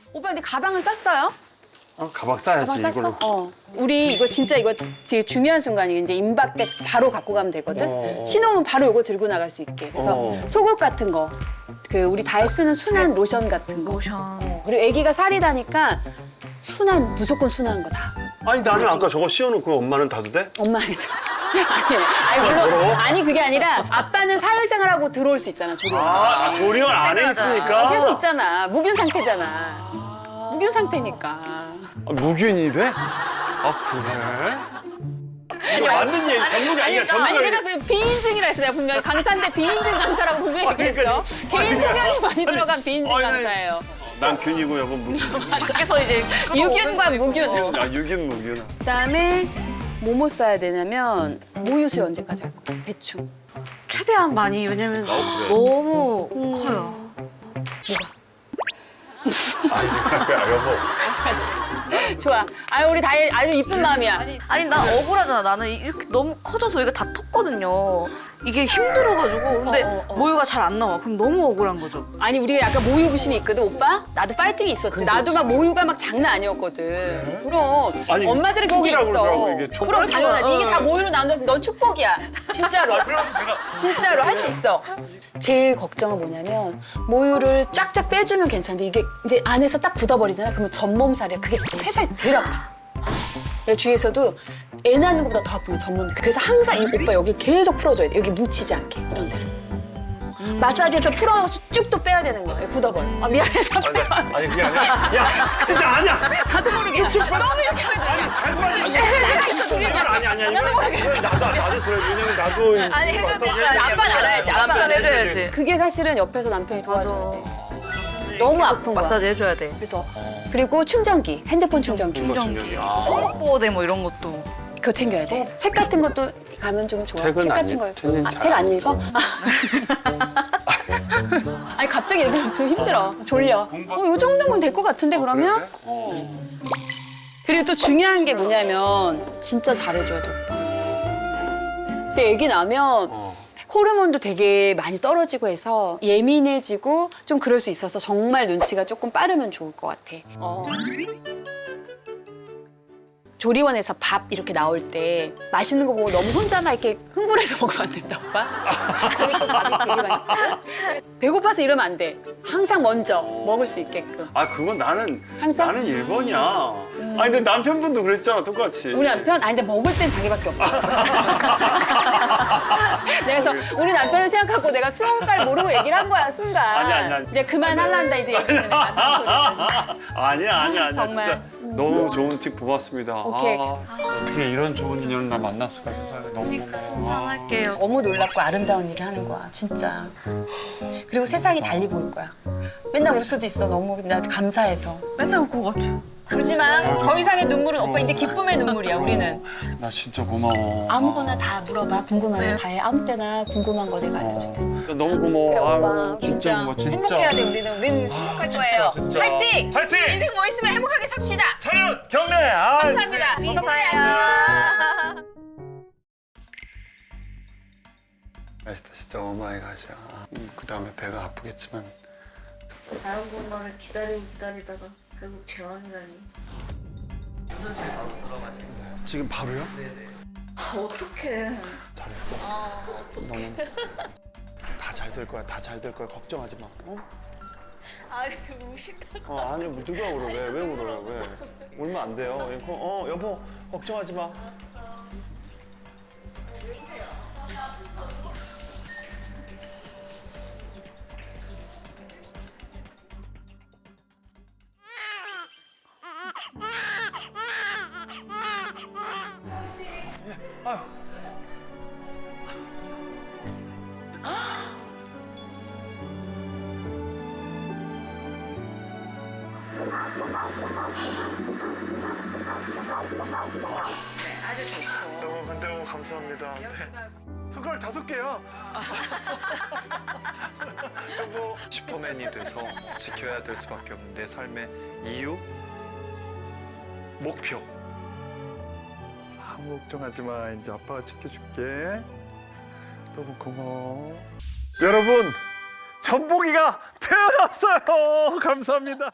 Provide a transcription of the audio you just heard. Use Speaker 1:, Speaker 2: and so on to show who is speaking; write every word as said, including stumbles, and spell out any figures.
Speaker 1: 오빠 근데 가방은 쌌어요?
Speaker 2: 어, 가방 싸야지
Speaker 1: 가방 쌌어?
Speaker 2: 이걸로.
Speaker 1: 어. 우리 이거 진짜 이거 되게 중요한 순간이 이제 임박 때 바로 갖고 가면 되거든.
Speaker 2: 어, 어.
Speaker 1: 신호면 바로 이거 들고 나갈 수 있게. 그래서
Speaker 2: 어.
Speaker 1: 속옷 같은 거, 그 우리 다에 쓰는 순한 로션 같은 거.
Speaker 3: 로션.
Speaker 1: 그리고 아기가 살이 다니까 순한 무조건 순한 거 다.
Speaker 2: 아니 나는 아까 저거 씌워놓고 엄마는 다도 돼?
Speaker 1: 엄마 해줘. 아니, 아니 물론
Speaker 2: 더러워?
Speaker 1: 아니 그게 아니라 아빠는 사회생활하고 들어올 수 있잖아 조리원.
Speaker 2: 아, 아 조리원 안에 있으니까.
Speaker 1: 계속 있잖아. 무균 상태잖아. 무균 상태니까.
Speaker 2: 아, 무균이 돼? 아 그래? 이게 맞는 얘기 전문가 아니야 전문가.
Speaker 1: 아니 내가 그래 비인증이라 했어. 내가 분명히 강사인데 비인증 강사라고 분명히
Speaker 2: 아, 그러니까
Speaker 1: 얘기했어.
Speaker 2: 이거-
Speaker 1: 개인
Speaker 2: 아니,
Speaker 1: 소견이 많이
Speaker 2: 아니,
Speaker 1: 들어간 비인증
Speaker 2: 아니, 아니.
Speaker 1: 강사예요.
Speaker 2: 난 균이고 여보 무균.
Speaker 3: 밖에서 이제
Speaker 1: 유균과 무균.
Speaker 2: 아 유균 무균.
Speaker 1: 그다음에 뭐뭐 써야 되냐면 모유수유 언제까지 할 거야? 대충.
Speaker 3: 최대한 많이 왜냐면
Speaker 2: 어, 그래.
Speaker 3: 너무
Speaker 1: 음.
Speaker 3: 커요.
Speaker 2: 아 여보.
Speaker 1: 좋아. 아유 우리 다혜 아주 이쁜 마음이야.
Speaker 3: 아니 나 억울하잖아. 나는 이렇게 너무 커져서 여기가 다 텄거든요. 이게 힘들어가지고 근데
Speaker 1: 어, 어, 어.
Speaker 3: 모유가 잘 안 나와. 그럼 너무 억울한 거죠.
Speaker 1: 아니 우리가 약간 모유 부심이 있거든 오빠. 나도 파이팅이 있었지. 나도 막 모유가 막 장난 아니었거든. 그럼
Speaker 2: 아니, 이거
Speaker 1: 엄마들은 그게
Speaker 2: 축복이라고
Speaker 1: 있어.
Speaker 2: 그러더라고, 이게 축복.
Speaker 1: 그럼 당연하지. 이게
Speaker 3: 어.
Speaker 1: 다 모유로 나온다서 넌 축복이야. 진짜로. 진짜로 할 수 있어. 제일 걱정은 뭐냐면 모유를 쫙쫙 빼주면 괜찮은데 이게 이제 안에서 딱 굳어버리잖아. 그러면 전몸살이야. 그게 세상에 제일 아파. 내 주위에서도 애 낳는 것보다 더 아픈 게 전몸. 그래서 항상 이 오빠 여기 계속 풀어줘야 돼. 여기 뭉치지 않게 이런 데를. 마사지해서 풀어서 쭉 또 빼야 되는 거야. 굳어버려. 아 미안해. 앞에서.
Speaker 2: 아니 그게 아니야. 야 그게 아니야.
Speaker 1: 나도 모르게. 너무 이렇게 하면
Speaker 2: 아니 잘 빠져.
Speaker 1: 했어, 둘이.
Speaker 2: 이건 아니 아니야.
Speaker 1: 나도
Speaker 2: 이건
Speaker 1: 모르게.
Speaker 2: 이건 나도 나도 들어. 왜냐면 나도.
Speaker 3: 아니 해줘야 될거 아니야.
Speaker 1: 아빠는 알아야지, 아빠는
Speaker 3: 남편
Speaker 1: 알아야지.
Speaker 3: 해줘야지.
Speaker 1: 그게 사실은 옆에서 남편이 도와줘야 돼. 너무 아픈 거야.
Speaker 3: 마사지 해줘야 돼.
Speaker 1: 그래서 그리고 충전기, 핸드폰 충전기
Speaker 2: 충전기. 아.
Speaker 3: 손목보호대 뭐 이런 것도.
Speaker 1: 그거 챙겨야 돼. 책 같은 것도 가면 좀 좋아.
Speaker 2: 책은
Speaker 1: 책
Speaker 2: 안
Speaker 1: 같은
Speaker 2: 읽-
Speaker 1: 거.
Speaker 2: 책은
Speaker 1: 아,
Speaker 2: 잘
Speaker 1: 책 안
Speaker 2: 안
Speaker 1: 읽어? 아니 갑자기 얘기하면 좀 힘들어. 졸려. 어, 요 정도면 될 것 같은데 그러면? 어. 그리고 또 중요한 게 뭐냐면 진짜 잘해줘야 돼 오빠. 근데 애기 나면
Speaker 2: 어.
Speaker 1: 호르몬도 되게 많이 떨어지고 해서 예민해지고 좀 그럴 수 있어서 정말 눈치가 조금 빠르면 좋을 것 같아.
Speaker 3: 어.
Speaker 1: 조리원에서 밥 이렇게 나올 때 맛있는 거 보고 너무 혼자만 이렇게 흥분해서 먹으면 안 된다, 오빠. 거기 또 밥이 되게 맛있거든. 배고파서 이러면 안 돼. 항상 먼저 먹을 수 있게끔.
Speaker 2: 아 그건 나는
Speaker 1: 항상?
Speaker 2: 나는 일 번이야. 아니 근데 남편분도 그랬잖아 똑같이.
Speaker 1: 우리 남편? 아니 근데 먹을 땐 자기밖에 없어. 내가 그래서 우리 남편을 생각하고 내가 스무 살 모르고 얘기를 한 거야, 순간.
Speaker 2: 아니, 아니, 아니.
Speaker 1: 이제 그만할란다 이제 얘기했는데 내가 잔소리를.
Speaker 2: 아니야 아니야 아니야
Speaker 1: 정말.
Speaker 2: 진짜 너무 좋은 팁 고맙습니다.
Speaker 1: 오케이.
Speaker 2: 아, 어떻게 이런 좋은 인연을 나 만났을까 세상에 너무.
Speaker 3: 상할게요.
Speaker 1: 너무 놀랍고 아름다운 일을 하는 거야, 진짜. 그리고 세상이 달리 보일 거야. 맨날 울 수도 있어, 너무 나 감사해서.
Speaker 3: 맨날 울것 같아.
Speaker 1: 울지 마. 더 이상의 눈물은 오빠 이제 기쁨의 눈물이야, 우리는.
Speaker 2: 나 진짜 고마워.
Speaker 1: 아무거나 다 물어봐. 궁금하면
Speaker 2: 네.
Speaker 1: 다 해. 아무 때나 궁금한 거 내가 알려줄게.
Speaker 2: 어, 너무 고마워. 아유, 진짜 고마워 진짜.
Speaker 1: 행복해야 돼, 우리는. 우리는 행복할 거예요.
Speaker 2: 진짜.
Speaker 1: 화이팅!
Speaker 2: 화이팅!
Speaker 1: 인생 뭐 있으면 행복하게 삽시다.
Speaker 2: 차렷 경례. 아,
Speaker 1: 감사합니다.
Speaker 3: 감사해요.
Speaker 2: 맛있다 진짜 오마이갓이야. 음, 그 다음에 배가 아프겠지만.
Speaker 3: 다른 것만을 기다리고 기다리다가 결국 재환이라니.
Speaker 2: 지금 바로요?
Speaker 3: 어떡해.
Speaker 2: 잘했어. 너무 다 잘 될 거야. 다 잘 될 거야. 걱정하지 마. 어?
Speaker 3: 아니 무식하고.
Speaker 2: 어 아니 뭐 누가 울어? 왜? 왜 울어요? 왜? 울면 안 돼요. 어 여보 걱정하지 마. 아유.
Speaker 1: 아주 좋고.
Speaker 2: 너무 너무 감사합니다. 네. 손가락 다섯 개야. 여보 슈퍼맨이 돼서 지켜야 될 수밖에 없는 내 삶의 이유, 목표. 아무 걱정하지 마. 이제 아빠가 지켜줄게. 너무 고마워. 여러분, 전복이가 태어났어요. 감사합니다.